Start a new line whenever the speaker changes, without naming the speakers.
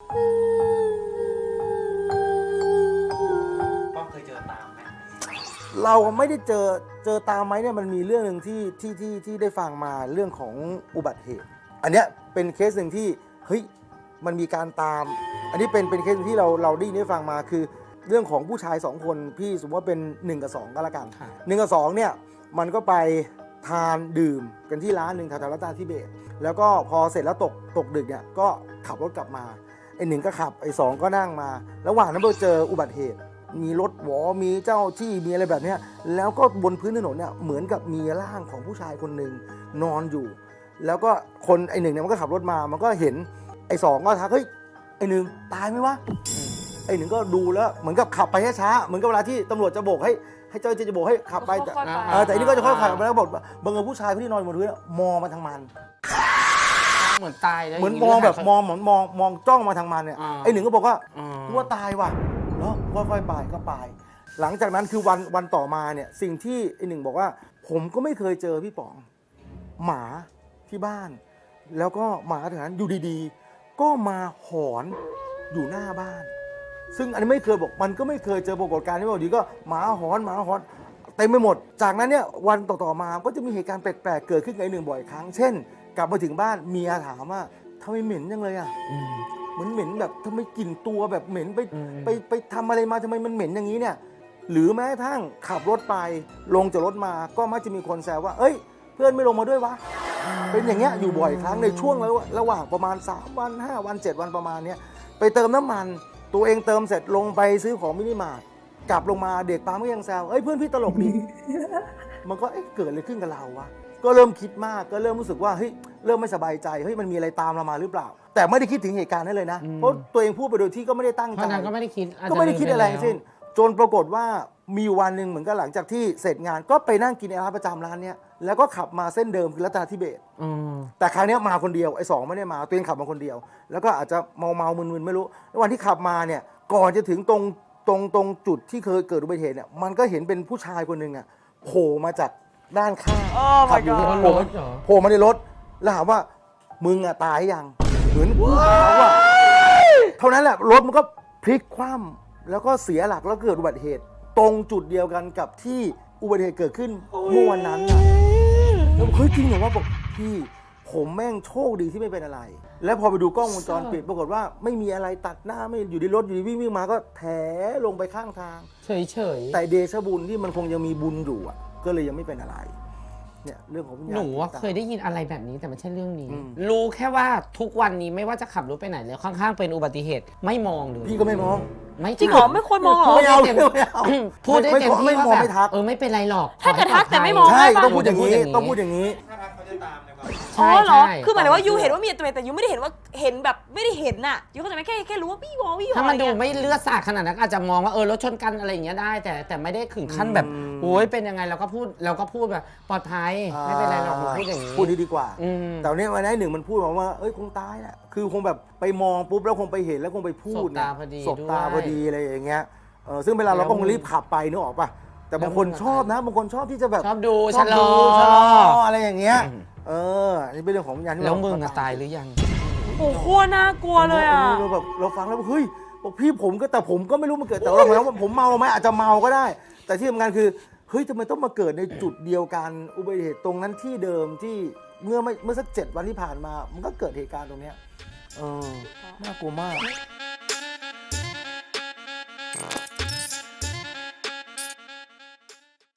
ป้องเคยเจอตามไหม
เราไม่ได้เจอตามไหมเนี่ยมันมีเรื่องหนึ่งที่ได้ฟังมาเรื่องของอุบัติเหตุอันเนี้ยเป็นเคสหนึ่งที่เฮ้ยมันมีการตาม อันนี้เป็นเคสที่เราได้ฟังมาคือเรื่องของผู้ชาย2คนพี่สมมติว่าเป็น1กับ2ก็แล้วกัน1กับ2เนี่ยมันก็ไปทานดื่มกันที่ร้านหนึ่งแถวๆรัตนาธิเบศแล้วก็พอเสร็จแล้วตกดึกเนี่ยก็ขับรถกลับมาไอ้1ก็ขับไอ้2ก็นั่งมาระหว่างนั้นไปเจออุบัติเหตุมีรถหวอมีเจ้าที่มีอะไรแบบนี้แล้วก็บนพื้นถนนเนี่ยเหมือนกับมีร่างของผู้ชายคนหนึ่งนอนอยู่แล้วก็คนไอ้1เนี่ยมันก็ขับรถมามันก็เห็นไอ้2ก็ทักเฮ้ยไอ้1ตายไหมวะไอ้1ก็ดูแล้วเหมือนกับขับไปช้าๆเหมือนกับเวลาที่ตำรวจจะโบกให้เจ้าหน้าที่จะโบกให้ขับไปแต่อันนี้ก็จะค่อยๆขับไปแล้วบอกบังเอิญผู้ชายที่นอนบนพื้นมองมาทางมัน
เหมือนตายแล้ว
เหมือนมองแบบมองจ้องมาทางมันเนี่ยไอ้1ก็บอกว่าว่าตายว่ะแล้วค่อยๆไปก็ไปหลังจากนั้นคือวันต่อมาเนี่ยสิ่งที่ไอ้1บอกว่าผมก็ไม่เคยเจอพี่ป๋องหมาที่บ้านแล้วก็หมาแถวนั้นอยู่ดีๆก็มาหอนอยู่หน้าบ้านซึ่งอันนี้ไม่เคยบอกมันก็ไม่เคยเจอปรากฏการณ์ที่ว่าดีก็หมาหอนเต็มไปหมดจากนั้นเนี่ยวันต่อมาก็จะมีเหตุการณ์แปลกๆเกิดขึ้นกับไอ้1บ่อยครั้งเช่นกลับมาถึงบ้านเมียถามว่าทำไมเหม็นจังเลยอ่ะเหมือนเหม็นแบบทำไมกลิ่นตัวแบบเหม็นไปทำอะไรมาทำไมมันเหม็นอย่างนี้เนี่ยหรือแม้กระทั่งขับรถไปลงจากรถมาก็มักจะมีคนแซวว่าเอ้ยเพื่อนไม่ลงมาด้วยวะเป็นอย่างเงี้ยอยู่บ่อยครั้งในช่วงระหว่างประมาณ3วัน5วัน7วันประมาณเนี้ยไปเติมน้ำมันตัวเองเติมเสร็จลงไปซื้อของมินิมาร์ทกลับลงมาเด็กปั๊มก็ยังแซวเอ้ยเพื่อนพี่ตลกดี มันก็เกิดอะไรขึ้นกับเราวะก็เริ่มคิดมากก็เริ่มรู้สึกว่าเฮ้ยเริ่มไม่สบายใจเฮ้ยมันมีอะไรตามเรามาหรือเปล่าแต่ไม่ได้คิดถึงเหตุการณ์นั้นเลยนะเพราะตัวเองพูดไปโดยที่ก็ไม่ได้ตั้งใจ
ก็ไม่ได้คิด
อะไรทั้งสิ้นจนปรากฏว่ามีวันหนึ่งเหมือนกับหลังจากที่เสร็จงานก็ไปนั่งกินร้านประจำร้านเนี้ยแล้วก็ขับมาเส้นเดิมคือรัตนาธิเบศแต่ครั้งนี้มาคนเดียวไอ้2ไม่ได้มาตัวเองขับมาคนเดียวแล้วก็อาจจะเมามึนๆไม่รู้แล้ววันที่ขับมาเนี่ยก่อนจะถึงตรงจุดที่เคยเกิดอุบัติเหตุเนี่ยมันก็เห็นเป็นผู้ชายคนหนึ่งอ่ะโผล่มาจากด้านข้างขับอยู่โผล่มาในรถแล้วถามว่ามึงอ่ะตายยังเหมือนพูดเขาว่าเท่านั้นแหละรถมันก็พลิกคว่ำแล้วก็เสียหลักแล้วเกิดอุบัติเหตุตรงจุดเดียวกันกับที่อุบัติเหตุเกิดขึ้นเมื่อวันนั้นน่ะแล้วเฮ้ยจริงเหรอว่าบอกพี่ผมแม่งโชคดีที่ไม่เป็นอะไรแล้วพอไปดูกล้องวงจรปิดปรากฏว่าไม่มีอะไรตัดหน้าไม่อยู่ในรถอยู่ดีวิ่งมาก็แถลงไปข้างทาง
เฉย
แต่เดชบุญที่มันคงยังมีบุญอยู่อ่ะก็เลยยังไม่เป็นอะไรเนี่ยเรื่องของ
หนูว่าเคยได้ยินอะไรแบบนี้แต่ไม่ใช่เรื่องนี้รู้แค่ว่าทุกวันนี้ไม่ว่าจะขับรถไปไหนเลยข้างๆเป็นอุบัติเหตุไม่มองเลย
พี่ก็ไม่มอง
จริงเหรอไม่ควรมองเหรอ
ไม่เอา
พูดได้เต็มที่ว่าแบบไม่เป็นไรหรอก
ถ้าเกิดทักแต่ไม่มอง
ใช่ต้องพูดอย่างนี้ต้องพูดอย่างนี้
ถ้าทักเขาจะตามเลยว่า
อ๋อเหรอคือหมายถึงว่ายูเห็นว่ามีตัวแต่ยูไม่ได้เห็นว่าเห็นแบบไม่ได้เห็นน่ะยูเข้าใจไหมแค่รู้ว่าพี่วอ
ถ้ามันดูไม่เลือดสาดขนาดนั้นอาจจะมองว่ารถชนกันอะไรอย่างเงี้ยได้แต่ไม่ได้ถึงขั้นแบบโอ้ยเป็นยังไงเราก็พูดแบบปลอดภัยไม่เป็นไรหรอกพูดอย่างนี้
พูดดีกว่าแต่วันนี้วันนี้1มันพูดว่าเอ้ยคงตายแหละคือคงแบบไปมองปุ๊บแล้วคงไปเห็นแล้วคงไปพูดสบตาพอดีอะไรอย่างเงี้ยซึ่งเวลาเราก็คงรีบขับไปนึกออกป่ะแต่บางคนชอบนะบางคนชอบที่จะแบบ
ชอบดูชะลอ
อะไรอย่างเงี้ยนี่เป็นเรื่องของวิญญาณที่
แล้วมึงตายหรือยัง
โอ้โหน่ากลัวเลยอ่ะ
เราแบบเราฟังแล้วเฮ้ยบอกพี่ผมก็ไม่รู้มันเกิดแต่เราหมายว่าผมเมาไหมอาจจะเมาก็ได้แต่ที่สำคัญคือเฮ้ยทำไมต้องมาเกิดในจุดเดียวกันอุบัติเหตุตรงนั้นที่เดิมที่เมื่อสัก7 วันที่ผ่านมามันก็เกิดเหตุการณ์ตรงเนี้ยน่ากลัวมาก